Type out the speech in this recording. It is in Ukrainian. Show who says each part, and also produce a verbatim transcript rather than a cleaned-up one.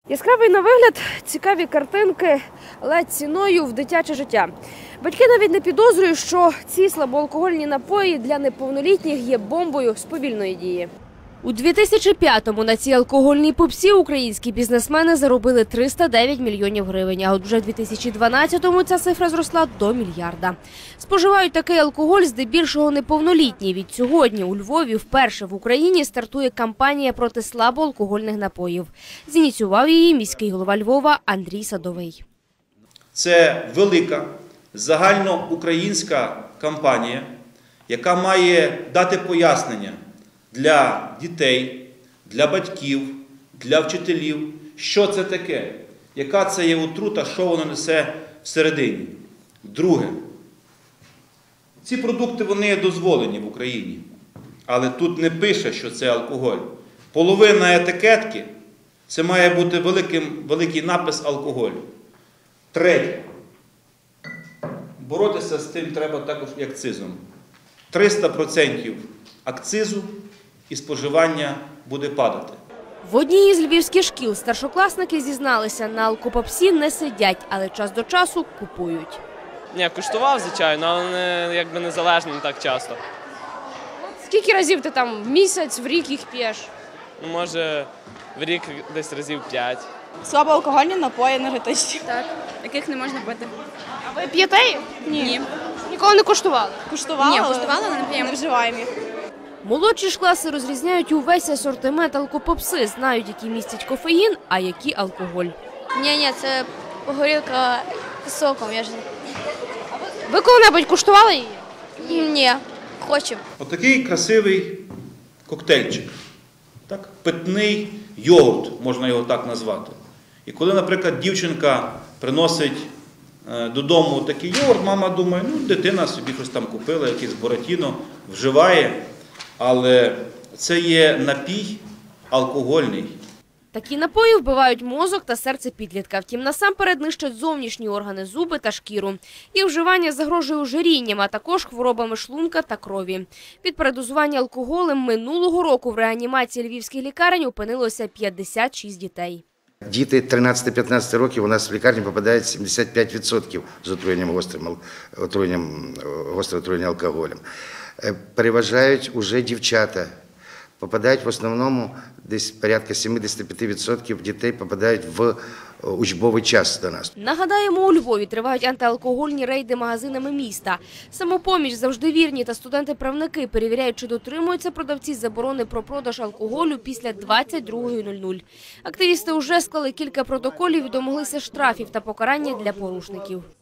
Speaker 1: Яскравий на вигляд, цікаві картинки, але ціною в дитяче життя. Батьки навіть не підозрюють, що ці слабоалкогольні напої для неповнолітніх є бомбою з повільної дії. У дві тисячі п'ятому на цій алкогольній попсі українські бізнесмени заробили триста дев'ять мільйонів гривень, а от вже в дві тисячі дванадцятому ця цифра зросла до мільярда. Споживають такий алкоголь здебільшого неповнолітні. Відсьогодні у Львові вперше в Україні стартує кампанія проти слабоалкогольних напоїв. Зініціював її міський голова Львова Андрій Садовий.
Speaker 2: Це велика загальноукраїнська кампанія, яка має дати пояснення для дітей, для батьків, для вчителів, що це таке, яка це є отрута, що воно несе всередині. Друге, ці продукти вони дозволені в Україні, але тут не пише, що це алкоголь. Половина етикетки – це має бути великим, великий напис алкоголю. Третє, боротися з тим треба також і акцизом. триста відсотків акцизу і споживання буде падати.
Speaker 1: В одній із львівських шкіл старшокласники зізналися, на алкопопсі не сидять, але час до часу купують.
Speaker 3: Ні, куштував, звичайно, але не, якби незалежно не так часто.
Speaker 1: Скільки разів ти там в місяць, в рік їх п'єш?
Speaker 3: Ну, може, в рік десь разів п'ять.
Speaker 4: Слабоалкогольні напої енергетичні.
Speaker 5: Так, яких не можна пити.
Speaker 1: А ви п'єте їх?
Speaker 4: Ні.
Speaker 5: Ні.
Speaker 1: Ніколи не куштували?
Speaker 4: Куштували,
Speaker 5: Ні,
Speaker 4: але
Speaker 5: куштувала, але не п'ємо.
Speaker 4: не вживаємо їх.
Speaker 1: Молодші ж класи розрізняють увесь асортимент алкопопси, знають, які містять кофеїн, а які алкоголь.
Speaker 5: Ні, ні, це горілка з соком, я ж
Speaker 1: Ви коли-небудь куштували її?
Speaker 5: не... Ні, хочу.
Speaker 2: Отакий красивий коктейльчик. Так? Питний йогурт, можна його так назвати. І коли, наприклад, дівчинка приносить е, додому такий йогурт, мама думає, ну, дитина собі щось там купила, якийсь Буратіно, вживає. Але це є напій алкогольний.
Speaker 1: Такі напої вбивають мозок та серце підлітка. Втім, насамперед нищать зовнішні органи, зуби та шкіру. Їх вживання загрожує ожирінням, а також хворобами шлунка та крові. Від передозування алкоголем минулого року в реанімації львівських лікарень опинилося п'ятдесят шість дітей.
Speaker 6: Діти тринадцяти-п'ятнадцяти років у нас в лікарні попадають сімдесят п'ять відсотків з отруєнням гострим, отруєнням, гострим отруєнням алкоголем. Переважають уже дівчата. Попадають в основному, десь порядка сімдесят п'ять відсотків дітей попадають в учбовий час до нас.
Speaker 1: Нагадаємо, у Львові тривають антиалкогольні рейди магазинами міста. Самопоміч, завжди вірні та студенти-правники перевіряють, чи дотримуються продавці заборони про продаж алкоголю після двадцять другої нуль нуль. Активісти вже склали кілька протоколів і домоглися штрафів та покарання для порушників.